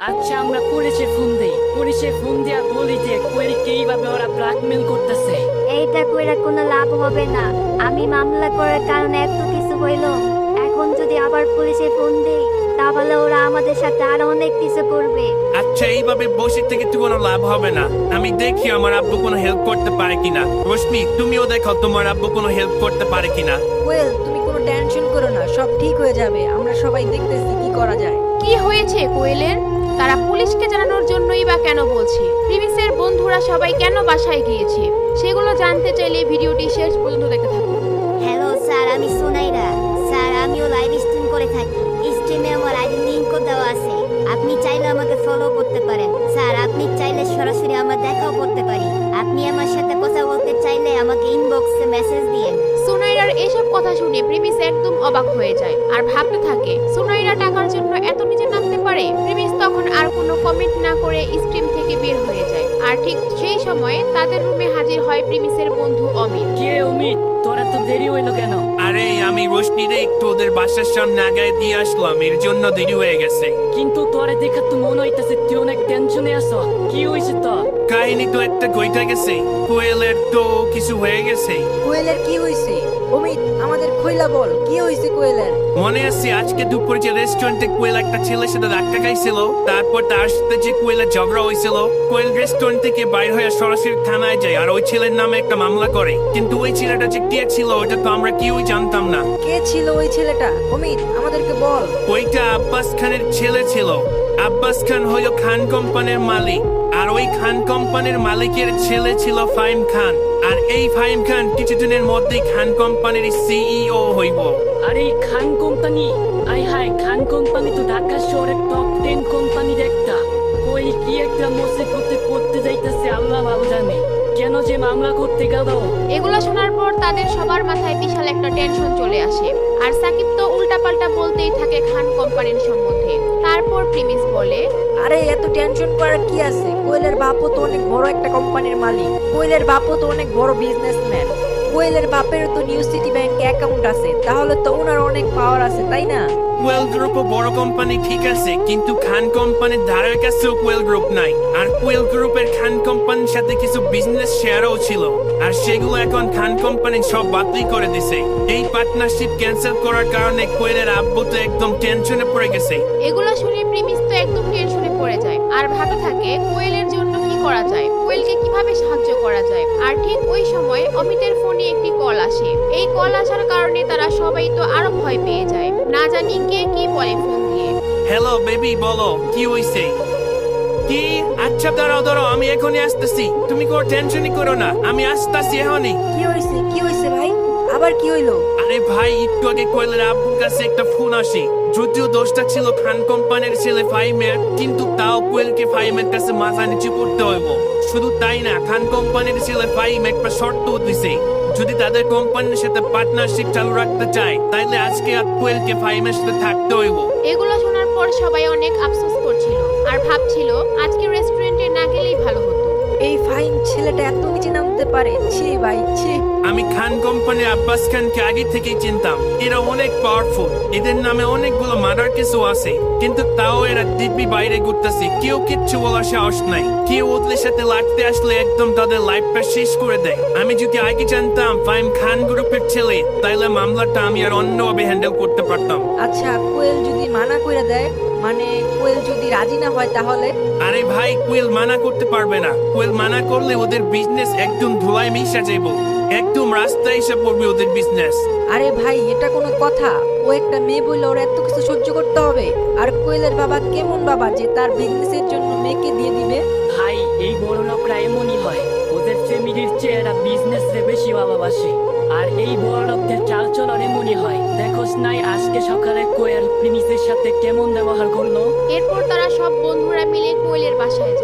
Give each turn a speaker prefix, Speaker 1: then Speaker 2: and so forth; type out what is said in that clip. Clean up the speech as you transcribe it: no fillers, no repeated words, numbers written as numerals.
Speaker 1: আচ্ছা, আমরা পুলিশে ফোন দেই। পুলিশে ফোন দিয়া বলি যে কোয়েলকে এইভাবে ওরা ব্ল্যাকমেল করতেছে।
Speaker 2: এইটা কইরা কোনো লাভ হবে না। আমি মামলা করার কারণে এত কিছু হইল। এখন যদি আবার পুলিশে ফোন দেই তাহলে ওরা আমাদের সাথে আরো অনেক কিছু করবে।
Speaker 3: আচ্ছা, এইভাবে বসে থেকে তো কোনো লাভ হবে না। আমি দেখি আমার আব্বু কোনো হেল্প করতে পারে কিনা। রশ্মি, তুমিও দেখো তোমার আব্বু কোনো হেল্প করতে পারে কিনা।
Speaker 4: কোয়েল, তুমি কোনো টেনশন করো না, সব ঠিক হয়ে যাবে। আমরা সবাই দেখতেছি কি করা যায়।
Speaker 5: কি হয়েছে কোয়েলের? তারা পুলিশকে জানানোর জন্যই বা কেন বলছে? প্রিমিসের বন্ধুরা সবাই কেন বাসায় গিয়েছে? সেগুলো জানতে চাইলে ভিডিওটি শেষ পর্যন্ত দেখতে থাকুন।
Speaker 2: হ্যালো স্যার, আমি সুনাইরা। স্যার, আমিও লাইভ স্ট্রিম করে থাকি। স্ট্রিমে আমার আইডি লিংকও দেওয়া আছে। আপনি চাইলে আমাকে ফলো করতে পারেন। স্যার, আপনি চাইলে সরাসরি আমার দেখাও করতে পারি। আপনি আমার সাথে কথা বলতে চাইলে আমাকে ইনবক্সে মেসেজ দিয়েন।
Speaker 5: সুনাইরার এসব কথা শুনে প্রিমিস একদম অবাক হয়ে যায় আর ভাবতে থাকে সুনাইরা টাকার জন্য এত নিচে নামতে পারে। প্রিমিস তখন আর কোনো কমেন্ট না করে স্ট্রিম থেকে বের হয়ে যায়। আর ঠিক সেই সময়ে তাদের রুমে হাজির হয় প্রিমিসের বন্ধু অমিত।
Speaker 1: কে অমিত, তোরা তো দেরি হইলো কেন?
Speaker 3: আরে, আমি রশ্মিরে একটু ওদের বাসার সামনে আগায় দিয়ে আসলাম, এর জন্য দেরি হয়ে গেছে।
Speaker 1: কিন্তু তোরে দেখে তো মনে হইতেছে তুই অনেক টেনশনে আছো। কি হয়েছে তো?
Speaker 3: কাহিনী তো একটা কইটা গেছে, কোয়েলের তো কিছু হয়ে গেছে।
Speaker 4: কোয়েলের কি হয়েছে? অমিত, আমাদের খইলা বল, কি হয়েছে কোয়েলের?
Speaker 3: মনে আছে আজকে দুপুরে যে রেস্টুরেন্টে কোয়েল একটা ছেলের সাথে ধাক্কা খাইছিল, তারপর তার সাথে যে কোয়েলের ঝগড়া হয়েছিল। কোয়েল রেস্টুরেন্ট থেকে বাইর হয়ে সরাসরি থানায় যায় আর ওই ছেলের নামে একটা মামলা করে। কিন্তু ওই ছেলেটা যে কে ছিল ওটা তো আমরা কেউই জানতাম না।
Speaker 4: কে ছিল ওই ছেলেটা? অমিত, আমাদেরকে বল।
Speaker 3: ওইটা আব্বাস খানের ছেলে ছিল। আব্বাস খান হলো খান কোম্পানির মালিক, আর ওই খান কোম্পানির মালিকের ছেলে ছিল ফাহিম খান। আর এই ফাহিম খান কিছুদিনের মধ্যেই খান কোম্পানির সিইও হইব।
Speaker 1: আর এই খান কোম্পানি, আয় হায়, খান কোম্পানি তো ঢাকা শহরের টপ 10 কোম্পানির একটা। ওই কি একটা মুসিবতে পড়তে যাইতেছে, আল্লাহ ভালো জানে। কেন যে মামলা করতে গেল?
Speaker 5: এগুলো শোনার পর তাদের সবার মাথায় বিশাল একটা টেনশন চলে আসে। আর সাকিব তো উল্টাপাল্টা বলতেই থাকে খান কোম্পানির সম্বন্ধে। তারপর প্রিমিস বলে,
Speaker 4: আরে এত টেনশন করার কি আছে? কোয়েলের বাপও তো অনেক বড় একটা কোম্পানির মালিক। কোয়েলের বাপও তো অনেক বড় বিজনেসম্যান। কোয়েলের বাপের তো নিউ সিটি ব্যাংকে অ্যাকাউন্ট আছে, তাহলে তো ওনার অনেক পাওয়ার আছে, তাই না?
Speaker 3: কোয়েল গ্রুপও বড় কোম্পানি ঠিক আছে, কিন্তু খান কোম্পানির ধারের কাছেও কোয়েল গ্রুপ নাই। আর কোয়েল গ্রুপের খান কোম্পানির সাথে কিছু বিজনেস শেয়ারও ছিল, আর সেগুলো এখন খান কোম্পানি সব বাতিল করে দিছে। এই পার্টনারশিপ ক্যান্সেল করার কারণে কোয়েলের আব্বু তো একদম টেনশনে পড়ে গেছে।
Speaker 5: এগুলো শুনে প্রিমিস তো একদম টেনশনে পড়ে যায় আর ভাবতে থাকে কোয়েলের জন্য কি করা যায়, কোয়েলকে কিভাবে সাহায্য করা যায়। আর ঠিক ওই সময় অমিতের ফোনে একটি কল আসে। এই কল আসার কারণে তারা সবাই তো আরো ভয় পেয়ে যায়, না জানি কে কি বলে ফোন দিয়ে।
Speaker 3: হ্যালো বেবি, বলো কি হইছে? কি? আচ্ছা, দাঁড়াও, আমি এখনই আসতেছি। তুমি কোনো টেনশনই করো না, আমি আসতেছি এখনই।
Speaker 4: কি হয়েছে? কি হয়েছে ভাই? আবার কি হইলো?
Speaker 3: আরে ভাই, একটু আগে কোয়েলের আব্বুর কাছে একটা ফোন আসে। যদিও দোষটা ছিল খান কোম্পানির ছেলে ফাহিমের, কিন্তু তাও কোয়েলকে ফাহিমের কাছে মাথা নিচু করতে হইব। শুধু তাই না, খান কোম্পানির ছেলে ফাহিম একটা শর্ত দিছে, যদি তাদের কোম্পানির সাথে পার্টনারশিপ চালু রাখতে চায় তাইলে আজকে আর কোয়েলকে ফাহিমের সাথে থাকতে হইব।
Speaker 5: এগুলো শোনার পর সবাই অনেক আফসোস করছিল আর ভাবছিল আজকে রেস্টুরেন্টে না গেলেই ভালো হতো।
Speaker 4: এই ফাহিম ছেলেটা এত নিচে নামতে পারে? ছি ভাই, ছি।
Speaker 3: আমি খান কোম্পানির আব্বাস খানকে আগে থেকেই চিনতাম। এরা অনেক পাওয়ারফুল, এদের নামে অনেকগুলো মার্ডার কেসও আছে, কিন্তু তাও এরা দিব্যি বাইরে ঘুরতেছে। কেউ কিচ্ছু বলার সাহস নাই। কেউ ওদের সাথে লাগতে আসলে একদম তাদের লাইফটা শেষ করে দেয়। আমি যদি আগে জানতাম ফাহিম খান গ্রুপের ছেলে, তাইলে মামলাটা আমি আর অন্যভাবে হ্যান্ডেল করতে পারতাম।
Speaker 4: আচ্ছা, কোয়েল যদি মানা করে দেয়, মানে কোয়েল যদি রাজি না হয় তাহলে?
Speaker 3: আরে ভাই, কোয়েল মানা করতে পারবে না। কোয়েল মানা করলে ওদের বিজনেস একদম ধোঁয়ায় মিশা যাইব, একদম রাস্তায় এসে পড়বে ওদের বিজনেস।
Speaker 4: আরে ভাই, এটা কোনো কথা? ও একটা মেয়ে বললে ওর এত কিছু সহ্য করতে হবে? আর কোয়েলের বাবা কেমন বাবা যে তার বিজনেসের জন্য মেয়েকে দিয়ে দিবে?
Speaker 1: ভাই, এই বড় লোকরা এমনই হয়। ওদের ফ্যামিলির চেয়ে এরা বিজনেস রে বেশি ভালোবাসে। আর এই বড় লোকদের চালচলন এমনই হয়। দেখোস নাই আজকে সকালে কোয়েল প্রিমিসের সাথে কেমন ব্যবহার করলো?
Speaker 5: এরপর তারা সব বন্ধুরা মিলে কোয়েলের বাসায় যায়।